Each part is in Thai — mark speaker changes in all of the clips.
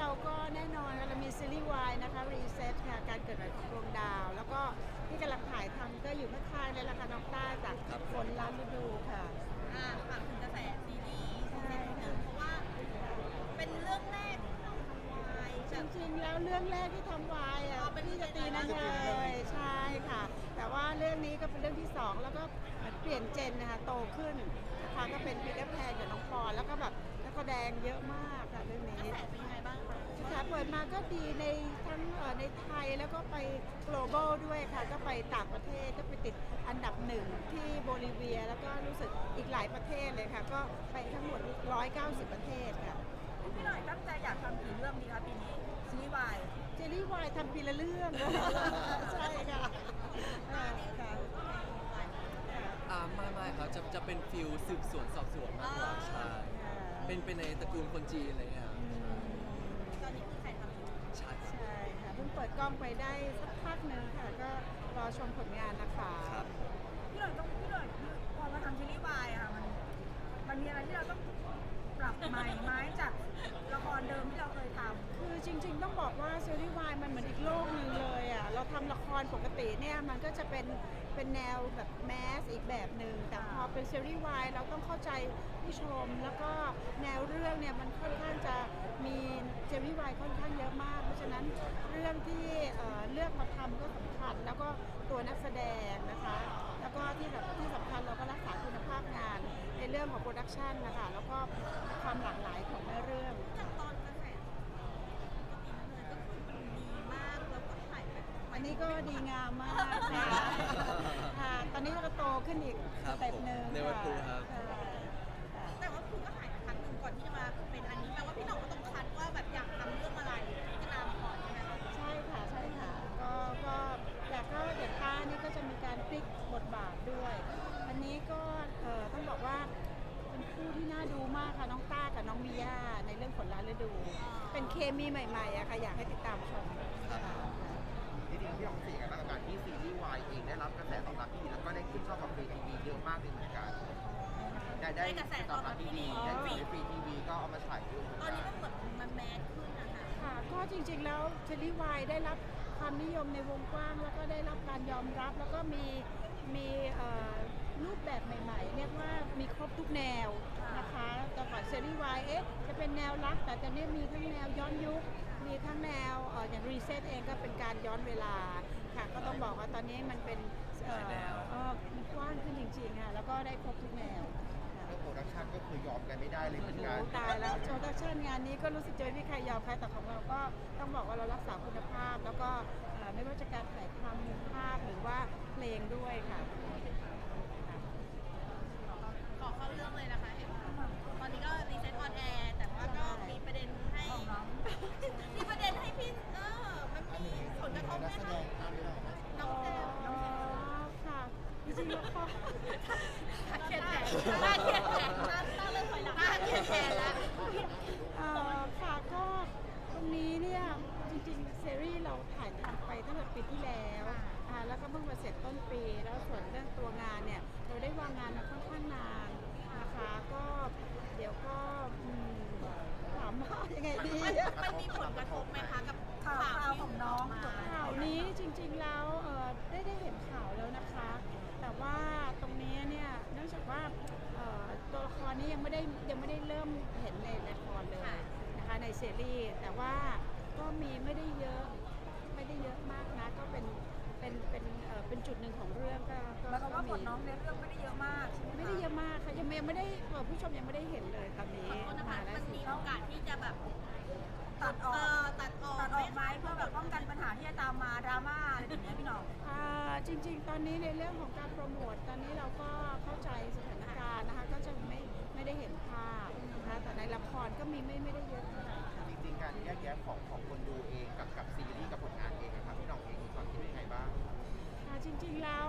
Speaker 1: เราก็แน่นอนเรามีซีรีส์วายนะคะรีเซ็ตค่ะการเกิดใหม่ของดวงดาว แล้วก็ที่กำลังถ่ายทำก็อยู่ข้างๆเลยละค่ะน้องต้าจากฝนล้านฤดูค่ะ
Speaker 2: ฝากถึงกระแสซีรีส์ซีซั่นหนึ่งเพราะว่าเป็นเรื่องแรกที่เราทำวาย
Speaker 1: จริงๆแล้วเรื่องแรกที่ทำวายอ่ะพี่จะตีนั่นเลยใช่ค่ะแต่ว่าเรื่องนี้ก็เป็นเรื่องที่สองแล้วก็เปลี่ยนเจนนะคะโตขึ้นนะคะก็เป็นพีเตอร์แพนกับน้องปอนแล้วก็แบบนักแสดงเยอะมากค่ะเรื่องนี้
Speaker 2: กระแสเป็นยังไงบ้างคะ
Speaker 1: ค่ะเปิดมาก็ดีในทั้งในไทยแล้วก็ไป global ด้วยค่ะก็ไปต่างประเทศก็ไปติดอันดับหนึ่งที่โบลิเวียแล้วก็รู้สึกอีกหลายประเทศเลยค่ะก็ไปทั้งหมด190ประเทศค่ะ
Speaker 2: พี่หน่อยตั้งใจอยากทำกี่เรื่องดีคะปีนี้ซีรีส์วาย
Speaker 1: เจลลี่วายทำปีละเรื่อง ใช่ค่ะค่ะ
Speaker 3: ไม่ครับจะเป็นฟิลสืบสวนสอบสวนมากกว่าใช่เป็นในตระกูลคนจีนอะไรเงี้ย
Speaker 2: ตอนนี้คือใครทำอยู่
Speaker 3: ใช่
Speaker 1: ใช่ค่ะเพิ่งเปิดกล้องไปได้สักพักหนึ่งค่ะก็รอชมผลงานนะคะ
Speaker 2: พี่หน่อยพอมาทำซีรีส์วายอะค่ะมันมีอะไรที่เราต้องปรับใหม่ไหมจากละครเดิมที่เราเคยทำ
Speaker 1: คือจริงๆต้องบอกว่าซีรีส์วายมันเหมือนอีกโลกหนึ่งเลยอ่ะเราทำละครปกติเนี่ยมันก็จะเป็นแนวแบบแมสอีกแบบหนึ่งแต่พอเป็นซีรีส์วายเราต้องเข้าใจผู้ชมแล้วก็แนวเรื่องเนี่ยมันค่อนข้างจะมีซีรีส์วายค่อนข้างเยอะมากเพราะฉะนั้นเรื่องที่เลือกมาทำก็สำคัญแล้วก็ตัวนักแสดงนะคะแล้วก็ที่สำคัญเราก็รักษาคุณภาพงานในเรื่องของโปรดักชันนะคะแล้วก็ความหลากหลายของเนื้อเรื่อง
Speaker 2: จากตอนกระแสก็คือมันดีมากแล้วก็ถ่ายแบบ
Speaker 1: อันนี้ก็ดีงามมากค่ะค่ะตอนนี้ก็โตขึ้นอีกสเต็ปหนึ่ง
Speaker 3: ในวันพุธครับ
Speaker 2: แต่ว่าคุณก็ถ่ายมาครั้งหนึ่งก่อนที่จะมาเป็นอันนี้แปลว่าพี่หน่องก็ต้องคัดว่าแบบอยากทำเรื่องอะไรพิจารณามาก่อนใช่ไหมคะ
Speaker 1: ใช่ค่ะใช่ค่ะก็แต่ก็เด็กต้านี่ก็จะมีการพลิกบทบาทด้วย อันนี้ก็ต้องบอกว่าเป็นคู่ที่น่าดูมากค่ะน้องต้ากับน้องมิย่าในเรื่องฝนล้านฤดู เป็นเคมีใหม่ๆอะค่ะอยากให้ติดตามชมค่ะ
Speaker 4: จริงๆพี่ลองสี่กันบ้างกับการที่ซีรีส์วายเองได้รับกระแสตอบรับที่ดีแล้วก็ได้ขึ้นช่องกับฟรีทีวีเยอะมากเลยเหมือนกันได้
Speaker 2: กระแส
Speaker 4: ตอบรับที่ดีได้ฟรีทีวีก็เอามาฉายด้วย
Speaker 2: ตอนนี้มันเหมือนมันแมสขึ้นนะคะ
Speaker 1: ค่ะก็จริงๆแล้วซีรีส์วายได้รับความนิยมในวงกว้างแล้วก็ได้รับการยอมรับแล้วก็มีรูปแบบใหม่ๆเรียกว่ามีครบทุกแนวนะคะแต่ก่อนซีรีส์วายจะเป็นแนวรักแต่ตอนนี้มีทั้งแนวย้อนยุคมีทั้งแนวอย่างรีเซ็ตเองก็เป็นการย้อนเวลาค่ะก็ต้องบอกว่าตอนนี้มันเป็นมันกว้างขึ้นจริงๆค่ะแล้วก็ได้ครบทุกแนว
Speaker 4: เรื่องโปรดักชันก็คือยอมกันไม่ได้เลยเหมือนกัน
Speaker 1: ตายแล้วโปรดักชันงานนี้ก็รู้สึกเจอที่ใครยอมใครแต่ของเราก็ต้องบอกว่าเรารักษาคุณภาพแล้วก็ไม่ว่าจะการถ่ายทำภาพหรือว่าเพลงด้วยค่ะ
Speaker 2: ขอเข้าเรื่องเลยนะคะตอนนี้ก็รีเซ็ตออนแอร์แต่ว่าก็มีประเด็นให้มีประเด็นให้พี่มันมีผลกระทบไหมคะน้องแซม
Speaker 1: ค่ะจริงๆแล้วก็
Speaker 2: เขียนแผนตั้งเรื่องถอยหลังเขียนแผนแล้ว
Speaker 1: ค่ะก็ตรงนี้เนี่ยจริงๆซีรีส์เราถ่ายทำไปตั้งแต่ปีที่แล้วแล้วก็เพิ่งมาเสร็จต้นปีแล้วส่วนเรื่องตัวงานเนี่ยเราได้วางงานมาค่อนข้างนานนะคะก็เดี๋ยวก็ถามว่ายังไงดี
Speaker 2: มันมีผลกระทบไหมคะกับข่าวของน้อง
Speaker 1: ข่าวนี้จริงๆแล้วได้เห็นข่าวแล้วนะคะแต่ว่าตรงนี้เนี่ยเนื่องจากว่าตัวละครนี้ยังไม่ได้เริ่มเห็นในละครเลยนะคะในซีรีส์แต่ว่าก็มีไม่ได้เยอะมากนะก็เป็นจุดหนึ่งของเรื่องก็
Speaker 2: แล้วก็ว่าผลน้องในเรื่องไม่ได้เยอะมากใช่ไหม
Speaker 1: ไม่ได้เยอะมากค่ะยังไม่ได้ผู้ชมยังไม่ได้เห็นเลยตอนนี้
Speaker 2: นะคะมันมีโอกาสที่จะแบบตัดออกไหมเพื่อแบบป้องกันปัญหาที่จะตามมาดราม่าอะไรอย่างเงี้ยพี่น้อง
Speaker 1: จริงๆตอนนี้ในเรื่องของการโปรโมทตอนนี้เราก็เข้าใจสถานการณ์นะคะก็จะไม่ได้เห็นภาพนะคะแต่ในละครก็มีไม่ได้เยอะเท่าไหร่
Speaker 4: จริงๆการแยกแยะของคนดูเองกับซีรีส์กับผลงานเองนะครับพี่น้องเองมีความคิดยังไงบ้าง
Speaker 1: จริงๆแล้ว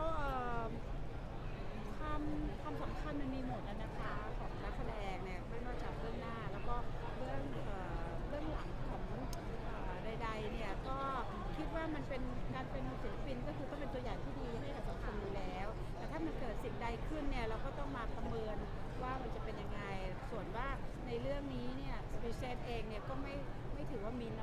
Speaker 1: ความสำคัญมันมีหมดนะคะของนักแสดงเนี่ยไม่ว่าจากเบื้องหน้าแล้วก็เบื้องหลังของใดๆเนี่ยก็คิดว่ามันเป็นการเป็นศิลปินก็คือต้องเป็นตัวอย่างที่ดีให้กับสังคมอยู่แล้วแต่ถ้ามันเกิดสิ่งใดขึ้นเนี่ยเราก็ต้องมาประเมินว่ามันจะเป็นยังไงส่วนว่าในเรื่องนี้เนี่ยรีเซ็ตเองเนี่ยก็ไม่ถือว่ามี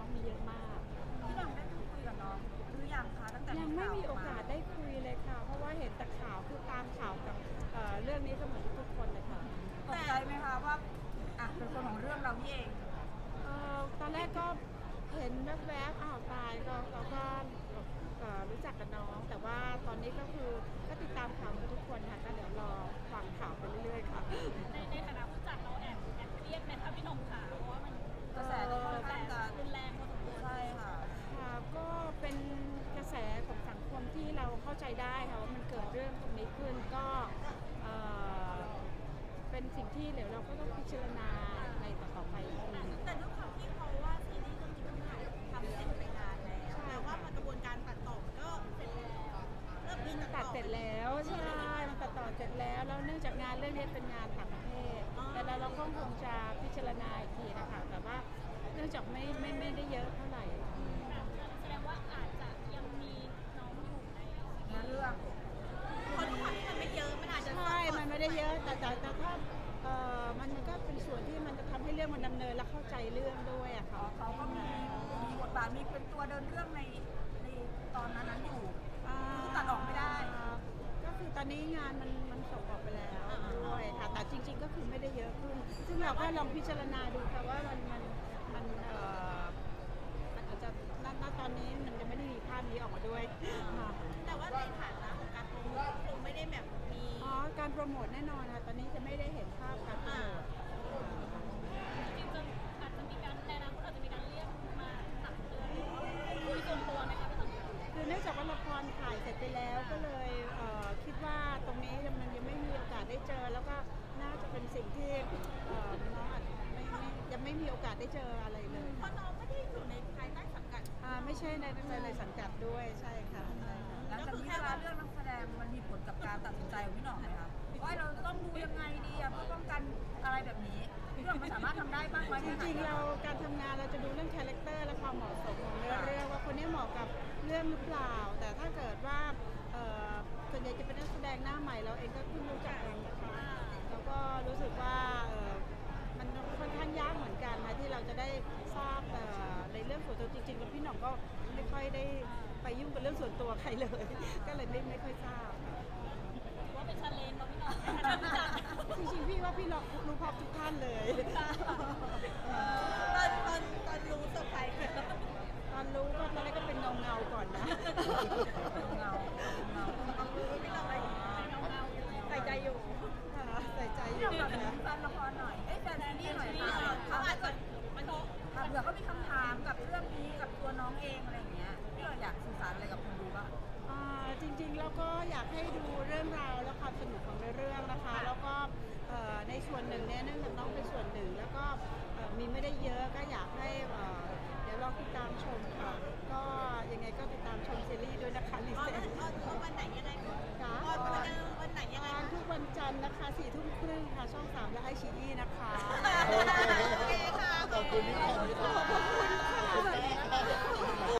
Speaker 1: ก็เห็นแวบๆอ้าวตายก็เราก็รู้จักกับน้อง แต่ว่าตอนนี้ก็คือก็ติดตามข่าวเหมือนทุกคนค่ะก็เดี๋ยวรอฟังข่าวไปเรื่อยๆค่ะ
Speaker 2: ในฐานะผู้จัดเราแอบเครียดไหมคะพี่หน่งขาเพราะว่ามันกระแสค่อนข้างจะรุนแรงพอสมควรใช่ค่ะ
Speaker 1: ค่ะก็เป็นกระแสของสังคมที่เราเข้าใจได้ค่ะว่ามันเกิดเรื่องตรงนี้ขึ้นก็เอ่อเป็นสิ่งที่เดี๋ยวเราก็ต้องพิจารณาในต่อๆไปอีกที
Speaker 2: แต่ด้วยความที่เขาว่าซีรีส์เรื่องนี้มันถ่ายทำเสร็จไปนานแล้วแต่ว่ามันกระบวนการตัดต่อก็เสร็จแล้วเริ่มมี
Speaker 1: ตัดเสร็จแล้วใช่มันตัดต่อเสร็จแล้วแล้วเนื่องจากงานเรื่องนี้เป็นงานต่างประเทศแต่เราก็คงจะพิจารณาอีกทีนะคะแต่ว่าเนื่องจากไม่ได้เยอะเท่าไหร่
Speaker 2: แสดงว่าอาจจะยังมีน้องอยู่ในเรื่องเพราะด้วยความที่มันไม่เยอะมันอาจจะ
Speaker 1: ใช่มันไม่ได้เยอะแต่ถ้ามันก็เป็นส่วนที่มันจะทำให้เรื่องมันดำเนินและเข้าใจเรื่องด้วยอะค่ะ
Speaker 5: เขาก็มีบทบาทมีเป็นตัวเดินเรื่องในตอนนั้นอยู่คือตัดออกไม่ได้
Speaker 1: ก็คือตอนนี้งานมันส่งออกไปแล้วด้วยค่ะแต่จริง ๆ ก็คือไม่ได้เยอะขึ้น ซึ่งเราก็ลองพิจารณาดูค่ะว่ามันอาจจะณตอนนี้มันจะไม่ได้มีภาพนี้ออกมาด้วยค่ะ
Speaker 2: แต่ว่าในฐานะของการโปรโมทคงไม่ได้แบบมี
Speaker 1: อ๋อการโปรโมทแน่นอนค่ะตอนนี้จะไม่ได้เห็นภาพการโปรโมท
Speaker 2: จริงๆอาจจะมีการในอนาคตอาจจะมีการเรียกมาตักเตือนหรือว่าคุยส่วนตัวไหมคะพี่สม
Speaker 1: คือเนื่องจากว่าละครถ่ายเสร็จไปแล้วก็เลยคิดว่าตรงนี้มันยังไม่มีโอกาสได้เจอ แล้วก็น่าจะเป็นสิ่งที่น้องอาจยังไม่มีโอกาสได้เจออะไรเลย
Speaker 2: เพราะน้องไม่ได้อยู่ในภายใต้สังกัด
Speaker 1: ไม่ใช่ในสังกัดด้วยใช่ค่ะใช่ค่ะ
Speaker 5: หลังจากนี้เวลาเรื่องนักแสดงมันมีผลกับการตัดสินใจของพี่หน่องไหมคะว่าเราจะต้องดูยังไงดีเพื่อป้องกันอะไรแบบนี้พี่หน่องมันสามารถทำได้บ้างไหม
Speaker 1: จริงๆเราการทำงานเราจะดูเรื่องคาแรคเตอร์และความเหมาะสมของเรื่องว่าคนนี้เหมาะกับเรื่องหรือเปล่า แต่ถ้าเกิดว่าส่วนใหญ่จะเป็นนักแสดงหน้าใหม่เราเองก็เพิ่งรู้จักเองนะคะแล้วก็รู้สึกว่ามันค่อนข้างยากเหมือนกันนะที่เราจะได้ทราบในเรื่องส่วนตัวจริงๆแล้วพี่หน่องก็ไม่ค่อยได้ไปยุ่งกับเรื่องส่วนตัวใครเลย ก็เลยไม่ค่อยทราบ
Speaker 2: ว่าเป็นชาเลนจ์เราพี่หน่อง
Speaker 1: จริงๆพี่ว่าพี่รู้พร้อมทุกท่านเลย
Speaker 2: ตอนรู้เซอร์ไพรส์
Speaker 1: ตอนรู้ก็ตอนแรกก็เป็นเงาก่อนนะ
Speaker 5: เงา
Speaker 2: พี่หน่องใส่ใจอยู่
Speaker 1: ค่ะใส่ใจอ
Speaker 5: พี่ห
Speaker 1: ยู่
Speaker 5: น่องแบบ
Speaker 1: นะ
Speaker 5: แฟนละครหน่อยแฟนซีรีส์หน่อยค่ะ
Speaker 2: เขาอาจจะมัน
Speaker 5: เผื่อเขามีคำถามกับเรื่องนี้กับตัวน้องเองอะไรอย่างเงี้ยพี่เราอยากสื่อสารอะไรกับคนดูบ้าง
Speaker 1: จริงๆแล้วก็อยากให้ดูเรื่องราวและความสนุกของเรื่องนะคะ แล้วก็ในส่วนหนึ่งเนี่ยเนื่องจากน้องเป็นส่วนหนึ่ง แล้วก็มีไม่ได้เยอะก็อยากให้เดี๋ยวลองติดตามชมค่ะ ก็ยังไงก็ติดตามชมซีรีส์ด้วยนะคะลิ
Speaker 2: ออน
Speaker 1: เซน
Speaker 2: วันไหนยังไง
Speaker 1: ค่ะ
Speaker 2: ออนวันไหนยังไง
Speaker 1: ทุกวันจันทร์นะคะ4 ทุ่มครึ่งค่ะช่อง 3 และไอชีอีนะคะ
Speaker 2: โอเคค่ะ
Speaker 4: ขอบคุณที่ขอบคุณ
Speaker 1: ขอบคุณ